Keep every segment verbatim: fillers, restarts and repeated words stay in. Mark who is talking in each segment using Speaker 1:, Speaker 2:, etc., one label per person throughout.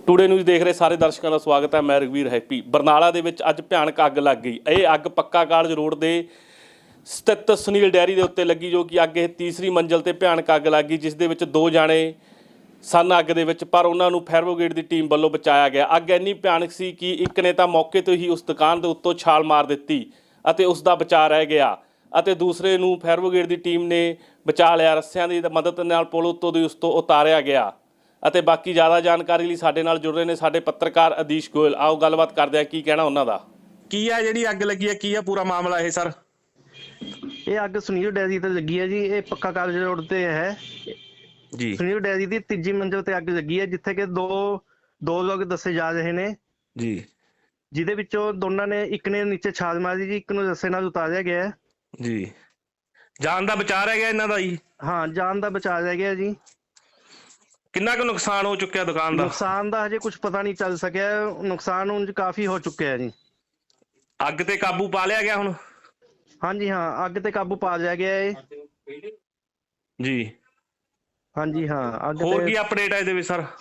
Speaker 1: Today news ਦੇਖ ਰਹੇ ਸਾਰੇ ਦਰਸ਼ਕਾਂ ਦਾ ਸਵਾਗਤ ਹੈ। ਮੈਂ ਰਘਵੀਰ ਹੈਪੀ। ਬਰਨਾਲਾ ਦੇ ਵਿੱਚ ਅੱਜ ਭਿਆਨਕ ਅੱਗ ਲੱਗ ਗਈ। ਇਹ ਅੱਗ ਪੱਕਾ ਕਾਲਜ ਰੋਡ ਦੇ ਸਥਿਤ ਸੁਨੀਲ ਡੈਰੀ ਦੇ ਉੱਤੇ ਲੱਗੀ, ਜੋ ਕਿ ਅੱਗ ਇਹ ਤੀਸਰੀ ਮੰਜ਼ਿਲ ਤੇ ਭਿਆਨਕ ਅੱਗ ਲੱਗ ਗਈ, ਜਿਸ ਦੇ ਵਿੱਚ ਦੋ ਜਾਣੇ ਸਨ ਅੱਗ ਦੇ ਵਿੱਚ, ਪਰ ਉਹਨਾਂ ਨੂੰ ਫਾਇਰ ਬ੍ਰਿਗੇਡ ਦੀ ਟੀਮ ਵੱਲੋਂ ਬਚਾਇਆ ਗਿਆ। ਅੱਗ ਇੰਨੀ ਭਿਆਨਕ ਸੀ ਕਿ ਇੱਕ ਨੇ ਤਾਂ ਮੌਕੇ ਤੋਂ ਹੀ ਉਸ ਦੁਕਾਨ ਦੇ ਉੱਤੋਂ ਛਾਲ ਮਾਰ ਦਿੱਤੀ ਅਤੇ ਉਸ ਦਾ ਬਚਾਅ ਰਹਿ ਗਿਆ, ਅਤੇ ਦੂਸਰੇ ਨੂੰ ਫਾਇਰ ਬ੍ਰਿਗੇਡ ਦੀ ਟੀਮ ਨੇ ਬਚਾ ਲਿਆ। ਰੱਸਿਆਂ ਦੀ ਮਦਦ ਨਾਲ ਪੁਲ ਉੱਤੋਂ ਦੀ ਉਸ ਤੋਂ ਉਤਾਰਿਆ ਗਿਆ। ਅਤੇ ਬਾਕੀ ਜ਼ਿਆਦਾ ਜਾਣਕਾਰੀ ਲਈ ਸਾਡੇ ਨਾਲ ਜੁੜ ਰਹੇ ਨੇ ਸਾਡੇ ਪੱਤਰਕਾਰ ਅਦੀਸ਼ ਗੋਇਲ। ਆਓ ਗੱਲਬਾਤ ਕਰਦੇ ਹਾਂ, ਕੀ ਕਹਿਣਾ ਉਹਨਾਂ ਦਾ। ਕੀ ਆ ਜਿਹੜੀ ਅੱਗ ਲੱਗੀ ਹੈ, ਕੀ ਆ ਪੂਰਾ ਮਾਮਲਾ ਇਹ ਸਰ?
Speaker 2: ਇਹ ਅੱਗ ਸੁਨੀਲ ਡੈਰੀ ਤੇ ਲੱਗੀ ਹੈ ਜੀ। ਇਹ ਪੱਕਾ ਕਾਲਜ ਰੋਡ ਤੇ ਹੈ
Speaker 1: ਜੀ।
Speaker 2: ਸੁਨੀਲ ਡੈਰੀ ਦੀ ਤੀਜੀ ਮੰਜ਼ਿਲ ਤੇ ਅੱਗ ਲੱਗੀ ਹੈ, ਜਿੱਥੇ ਕਿ ਦੋ ਦੋ ਲੋਕ ਦੱਸੇ ਜਾ ਰਹੇ ਨੇ
Speaker 1: ਜੀ,
Speaker 2: ਜਿਹਦੇ ਵਿੱਚੋਂ ਦੋਨਾਂ ਨੇ, ਇੱਕ ਨੇ ਨੀਚੇ ਛਾਲ ਮਾਰੀ ਜੀ, ਇੱਕ ਨੂੰ ਰੱਸੇ ਨਾਲ ਉਤਾਰਿਆ ਗਿਆ ਹੈ
Speaker 1: ਜੀ। ਜਾਨ ਦਾ ਬਚਾਅ ਰਹਿ ਗਿਆ ਇਹਨਾਂ ਦਾ ਜੀ?
Speaker 2: ਹਾਂ, ਜਾਨ ਦਾ ਬਚਾਅ ਰਹਿ ਗਿਆ ਜੀ।
Speaker 1: ਕਿੰਨਾ ਕੁ ਨੁਕਸਾਨ ਹੋ ਚੁੱਕਿਆ ਦੁਕਾਨ ਦਾ?
Speaker 2: ਨੁਕਸਾਨ ਦਾ ਹਜੇ ਕੁਝ ਪਤਾ ਨਹੀਂ ਚੱਲ ਸਕਿਆ। ਨੁਕਸਾਨ ਉਂਝ ਕਾਫੀ ਹੋ ਚੁੱਕਿਆ ਜੀ।
Speaker 1: ਅੱਗ ਤੇ ਕਾਬੂ ਪਾ ਲਿਆ ਗਿਆ ਹੁਣ? ਹਾਂਜੀ
Speaker 2: ਹਾਂ, ਅੱਗ ਤੇ ਕਾਬੂ ਪਾ ਲਿਆ ਗਿਆ ਹੈ
Speaker 1: ਜੀ।
Speaker 2: ਹਾਂਜੀ ਹਾਂ। ਅੱਗ
Speaker 1: ਹੋਰ ਕੀ ਅਪਡੇਟ ਹੈ ਇਹਦੇ ਵਿੱਚ ਸਰ?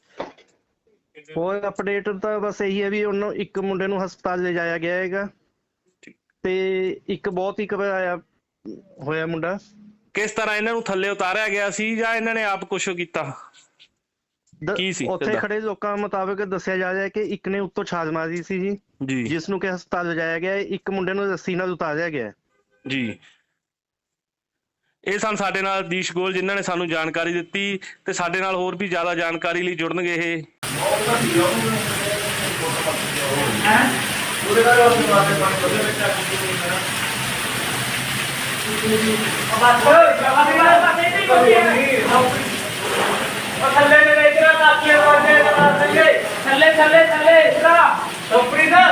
Speaker 2: ਹੋਰ ਅਪਡੇਟ ਤਾਂ ਬਸ ਇਹੀ ਹੈ ਵੀ ਉਹਨੂੰ ਇੱਕ ਮੁੰਡੇ ਨੂੰ ਹਸਪਤਾਲ ਲਿਜਾਇਆ ਗਿਆ ਹੈਗਾ, ਤੇ ਇੱਕ ਬਹੁਤ ਹੀ ਘਬਰਾਇਆ ਹੋਇਆ ਮੁੰਡਾ।
Speaker 1: ਕਿਸ ਤਰ੍ਹਾਂ ਇਹਨਾਂ ਨੂੰ ਥੱਲੇ ਉਤਾਰਿਆ ਗਿਆ ਸੀ ਜਾਂ ਇਹਨਾਂ ਨੇ ਆਪ ਕੁਛ ਕੀਤਾ? ਕੀ ਸੀ
Speaker 2: ਉੱਥੇ ਖੜੇ ਲੋਕਾਂ ਮੁਤਾਬਕ ਦੱਸਿਆ ਜਾ ਰਿਹਾ ਕਿ ਇੱਕ ਨੇ ਉੱਤੋਂ ਛਾਲ ਮਾਰੀ ਸੀ ਜੀ,
Speaker 1: ਜੀ,
Speaker 2: ਜਿਸ ਨੂੰ ਕਿ ਹਸਪਤਾਲ ਲਿਜਾਇਆ ਗਿਆ। ਇੱਕ ਮੁੰਡੇ ਨੂੰ ਰੱਸੀ ਨਾਲ ਉਤਾਰਿਆ ਗਿਆ
Speaker 1: ਜੀ। ਇਹ ਸਨ ਸਾਡੇ ਨਾਲ ਅਦੀਸ਼ ਗੋਇਲ, ਜਿਨ੍ਹਾਂ ਨੇ ਸਾਨੂੰ ਜਾਣਕਾਰੀ ਦਿੱਤੀ, ਤੇ ਸਾਡੇ ਨਾਲ ਹੋਰ ਵੀ ਜ਼ਿਆਦਾ ਜਾਣਕਾਰੀ ਲਈ ਜੁੜਨਗੇ ਇਹ।
Speaker 3: ਥੱਲੇ ਨੇ ਇਧਰ ਕਾਪੀਆਂ ਵਾਲੇ ਥੱਲੇ ਥੱਲੇ ਥੱਲੇ ਥੱਲੇ ਇਧਰ ਟੋਪਰੀ ਦਾ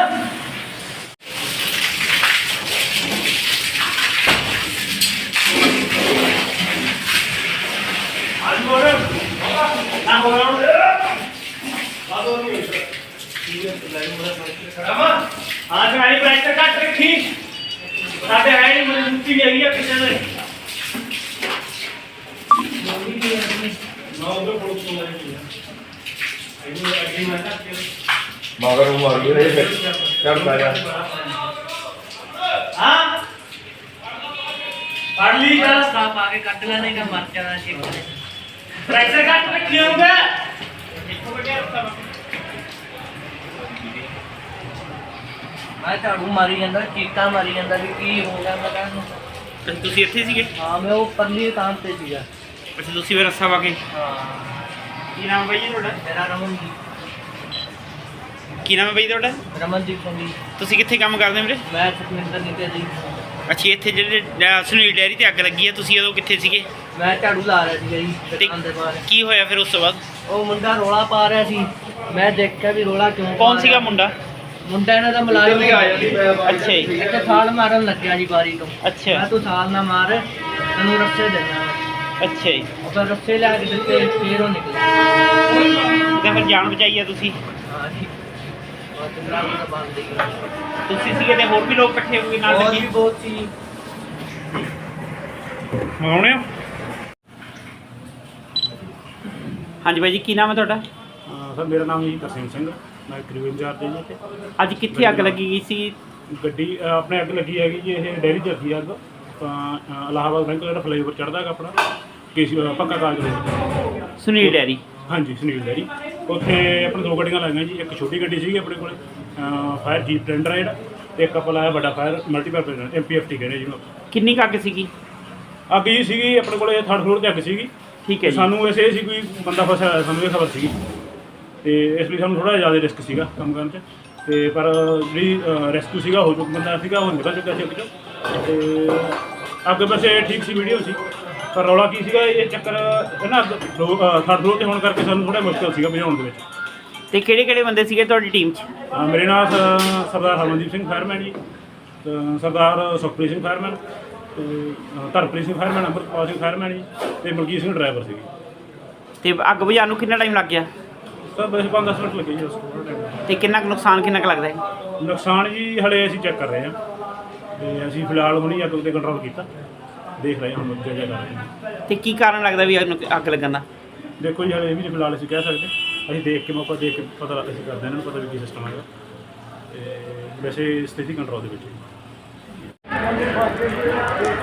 Speaker 3: ਅੱਜ ਮੋਰੇ ਨਾ ਹੋਣਾ ਬਾਦੋਂ ਨਹੀਂ ਠੀਕ ਹੈ। ਲੈ ਮੋਰੇ ਰਮਾ ਆਜ ਆਈ ਬੈਠ ਕੱਟ ਰੱਖੀ ਸਾਡੇ ਹੈ ਨਹੀਂ ਮਜ਼ਬੂਤੀ ਨਹੀਂ ਹੈਗੀ ਕਿਸੇ ਦੇ
Speaker 4: मगर वो आ गई है कर पाया
Speaker 3: हां पढ़ ली का
Speaker 5: साफ आगे कट लेने का मर जाना चाहिए।
Speaker 3: प्रेशर कट रखी होगा
Speaker 5: मैं झाड़ू मारी ਜਾਂਦਾ ਚੀਕਾਂ ਮਾਰੀ ਜਾਂਦਾ ਵੀ ਕੀ ਹੋ ਗਿਆ। ਮੈਂ ਕਹਿੰਦਾ
Speaker 6: ਤੁਸੀਂ ਇੱਥੇ ਸੀਗੇ?
Speaker 5: ਹਾਂ, ਮੈਂ ਉਹ ਪਰਲੀ ਦੁਕਾਨ ਤੇ ਸੀਗਾ।
Speaker 6: ਅੱਛਾ, ਤੁਸੀਂ ਫਿਰ ਰੱਸਾ ਪਾ ਕੇ?
Speaker 5: ਹਾਂ।
Speaker 6: ਕੀ ਨਾਮ ਹੈ ਬਾਈ ਜੀ ਤੁਹਾਡਾ?
Speaker 5: ਮੇਰਾ ਰਮਨਦੀਪ
Speaker 6: ਕੀ ਨਾਮ ਹੈ ਬਾਈ ਤੁਹਾਡਾ?
Speaker 5: ਰਮਨਦੀਪ ਸਿੰਘ ਜੀ।
Speaker 6: ਤੁਸੀਂ ਕਿੱਥੇ ਕੰਮ ਕਰਦੇ ਵੀਰੇ?
Speaker 5: ਮੈਂ ਸੁਖਮਿੰਦਰ ਨੀਤੇ ਜੀ।
Speaker 6: ਅੱਛਾ, ਇੱਥੇ ਜਿਹੜੇ ਸੁਨੀਲ ਡੈਰੀ ਤੇ ਅੱਗ ਲੱਗੀ ਹੈ, ਤੁਸੀਂ ਉਦੋਂ ਕਿੱਥੇ ਸੀਗੇ?
Speaker 5: ਮੈਂ ਝਾੜੂ ਲਾ ਰਿਹਾ ਸੀਗਾ ਜੀ
Speaker 6: ਤੇ
Speaker 5: ਦੁਕਾਨ ਦੇ ਬਾਹਰ।
Speaker 6: ਕੀ ਹੋਇਆ ਫਿਰ ਉਸ ਤੋਂ ਬਾਅਦ?
Speaker 5: ਉਹ ਮੁੰਡਾ ਰੋਲਾ ਪਾ ਰਿਹਾ ਸੀ, ਮੈਂ ਦੇਖਿਆ ਵੀ ਰੋਲਾ ਕਿਉਂ।
Speaker 6: ਕੌਣ ਸੀਗਾ ਮੁੰਡਾ?
Speaker 5: ਮੁੰਡਾ ਇਹਨਾਂ ਦਾ ਮੁਲਾਜ਼ਮ
Speaker 6: ਅੱਛਾ ਜੀ।
Speaker 5: ਇੱਥੇ ਛਾਲ ਮਾਰਨ ਲੱਗਿਆ ਜੀ ਬਾਰੀ ਤੋਂ।
Speaker 6: ਅੱਛਾ।
Speaker 5: ਮੈਂ ਤੂੰ ਛਾਲ ਨਾ ਮਾਰ, ਤੈਨੂੰ ਰੱਸੇ ਦੇਣਾ।
Speaker 6: ਅੱਛਾ ਜੀ।
Speaker 5: ਉਹ ਫਿਰ ਰੱਸੇ ਲਿਆ ਕੇ ਦਿੱਤੇ, ਫੇਰ ਉਹ ਨਿਕਲਿਆ।
Speaker 6: ਤੇ ਫਿਰ ਜਾਨ ਬਚਾਈ ਆ ਤੁਸੀਂ?
Speaker 5: ਹਾਂ ਜੀ। ਬਹੁਤ ਡਰਾਮਾ ਦਾ ਬੰਦ ਹੀ ਹੈ।
Speaker 6: ਤੁਸੀਂ ਸੀਗੇ ਤੇ ਹੋਰ ਵੀ ਲੋਕ ਇਕੱਠੇ ਹੋ ਕੇ ਨਾਲ
Speaker 5: ਹੋਰ
Speaker 6: ਲੱਗੇ?
Speaker 5: ਵੀ ਬਹੁਤ ਸੀ।
Speaker 6: ਮੰਗਾਉਣੇ ਹੋ? ਹਾਂਜੀ ਬਾਈ ਜੀ, ਕੀ ਨਾਮ ਹੈ ਤੁਹਾਡਾ?
Speaker 7: ਸਰ ਮੇਰਾ ਨਾਮ ਜੀ ਤਰਸੇਮ ਸਿੰਘ, ਮੈਂ ਕਰੀਬ ਇੰਚਾਰਜ ਜੀ ਇੱਥੇ।
Speaker 6: ਅੱਜ ਕਿੱਥੇ ਅੱਗ ਲੱਗੀ ਗਈ ਸੀ?
Speaker 7: ਗੱਡੀ ਅ, ਆਪਣੇ ਅੱਗ ਲੱਗੀ ਹੈਗੀ ਜੀ, ਇਹ ਡੈਰੀ 'ਚ ਲੱਗੀ ਅੱਗ। ਤਾਂ ਅ, ਇਲਾਹਾਬਾਦ ਬੈਂਕ ਜਿਹੜਾ ਫਲਾਈਓਵਰ ਚੜ੍ਹਦਾ ਹੈਗਾ ਆਪਣਾ ਕੇਸੀ ਪੱਕਾ ਕਾਲਜ ਰੋਡ।
Speaker 6: ਸੁਨੀਲ ਡੈਰੀ?
Speaker 7: ਹਾਂਜੀ, ਸੁਨੀਲ ਡੈਰੀ। ਉੱਥੇ ਆਪਣੇ ਦੋ ਗੱਡੀਆਂ ਲਾਈਆਂ ਜੀ। ਇੱਕ ਛੋਟੀ ਗੱਡੀ ਸੀਗੀ ਆਪਣੇ ਕੋਲ, ਫਾਇਰ ਜੀਪ ਟੈਂਡਰ ਹੈ ਜਿਹੜਾ, ਤੇ ਇੱਕ ਆਪਾਂ ਲਾਇਆ ਵੱਡਾ fire multipurpose M P F T ਕਹਿੰਦੇ ਜਿਹਨੂੰ।
Speaker 6: ਕਿੰਨੀ ਕੁ ਅੱਗ ਸੀਗੀ?
Speaker 7: ਅੱਗ ਜੀ ਸੀਗੀ ਆਪਣੇ ਕੋਲ ਥਰਡ ਫਲੋਰ 'ਤੇ ਅੱਗ ਸੀਗੀ।
Speaker 6: ਠੀਕ ਹੈ ਜੀ।
Speaker 7: ਸਾਨੂੰ ਵੈਸੇ ਇਹ ਸੀ ਕੋਈ ਬੰਦਾ ਫਸਿਆ ਹੋਇਆ, ਸਾਨੂੰ ਇਹ ਖਬਰ ਸੀਗੀ, ਤੇ ਇਸ ਲਈ ਸਾਨੂੰ ਥੋੜ੍ਹਾ ਜ਼ਿਆਦਾ ਰਿਸਕ ਸੀਗਾ ਕੰਮ ਕਰਨ 'ਚ। ਤੇ ਪਰ ਜਿਹੜੀ ਰੈਸਕਿਊ ਸੀਗਾ ਹੋ ਚੁੱਕਾ, ਬੰਦਾ ਸੀਗਾ ਉਹ ਨਿਕਲ ਚੁੱਕਿਆ ਸੀ ਅੱਗ 'ਚੋਂ। ਤੇ ਅੱਗ ਵੈਸੇ ਠੀਕ ਸੀ, ਵੀਡੀਓ ਸੀ, ਪਰ ਰੌਲਾ ਕੀ ਸੀਗਾ ਇਹ ਚੱਕਰ ਇਹ ਨਾ ਥਰਡ ਫਲੋਰ 'ਤੇ ਹੋਣ ਕਰਕੇ ਸਾਨੂੰ ਥੋੜ੍ਹਾ ਮੁਸ਼ਕਿਲ ਸੀਗਾ ਭਜਾਉਣ ਦੇ ਵਿੱਚ।
Speaker 6: ਤੇ ਕਿਹੜੇ ਕਿਹੜੇ ਬੰਦੇ ਸੀਗੇ ਤੁਹਾਡੀ ਟੀਮ 'ਚ?
Speaker 7: ਅ, ਮੇਰੇ ਨਾਲ ਸ- ਸਰਦਾਰ ਹਰਮਨਦੀਪ ਸਿੰਘ ਫਾਇਰਮੈਨ ਜੀ, ਅ, ਸਰਦਾਰ ਸੁਖਪ੍ਰੀਤ ਸਿੰਘ ਫਾਇਰਮੈਨ, ਤੇ ਅ, ਧਰਮਪ੍ਰੀਤ ਸਿੰਘ ਫਾਇਰਮੈਨ, ਅੰਮ੍ਰਿਤਪਾਲ ਸਿੰਘ ਫਾਇਰਮੈਨ ਜੀ, ਤੇ ਮਲਕੀਤ ਸਿੰਘ ਡਰਾਈਵਰ ਸੀਗੀ।
Speaker 6: ਤੇ ਅੱਗ ਬੁਝਾਉਣ ਨੂੰ ਕਿੰਨਾ ਟਾਈਮ ਲੱਗ ਗਿਆ?
Speaker 7: ਸਰ ਬਸ ਪੰਜ ਦਸ ਮਿੰਟ ਲੱਗੇ ਜੀ ਉਸ ਟਾਈਮ।
Speaker 6: ਤੇ ਕਿੰਨਾ ਕੁ ਨੁਕਸਾਨ ਕਿੰਨਾ ਕੁ ਲੱਗਦਾ ਹੈ?
Speaker 7: ਨੁਕਸਾਨ ਜੀ ਹਲੇ ਅਸੀਂ ਚੈੱਕ ਕਰ ਰਹੇ ਹਾਂ, ਤੇ ਅਸੀਂ ਫਿਲਹਾਲ ਹੁਣੀ ਅੱਗ 'ਤੇ ਕੰਟਰੋਲ ਕੀਤਾ, ਦੇਖ ਰਹੇ ਹਾਂ ਹੁਣ ਅੱਗੇ ਜਾ ਕਰ ਰਹੇ ਹਾਂ।
Speaker 6: ਤੇ ਕੀ ਕਾਰਨ ਲੱਗਦਾ ਵੀ ਅੱਗ ਲੱਗਣ ਦਾ?
Speaker 7: ਦੇਖੋ ਜੀ ਹਲੇ ਇਹ ਵੀ ਫਿਲਹਾਲ ਅਸੀਂ ਕਹਿ ਸਕਦੇ। ਅਸੀਂ ਦੇਖ ਕੇ ਮੌਕਾ ਦੇਖ ਕੇ ਪਤਾ ਲੱਗ ਅਸੀਂ ਕਰਦੇ ਇਹਨਾਂ ਨੂੰ ਪਤਾ ਵੀ ਕੀ ਸਿਸਟਮ ਹੈਗਾ ਤੇ ਵੈਸੇ ਸਥਿਤੀ ਕੰਟਰੋਲ ਦੇ ਵਿੱਚ ਹੈ।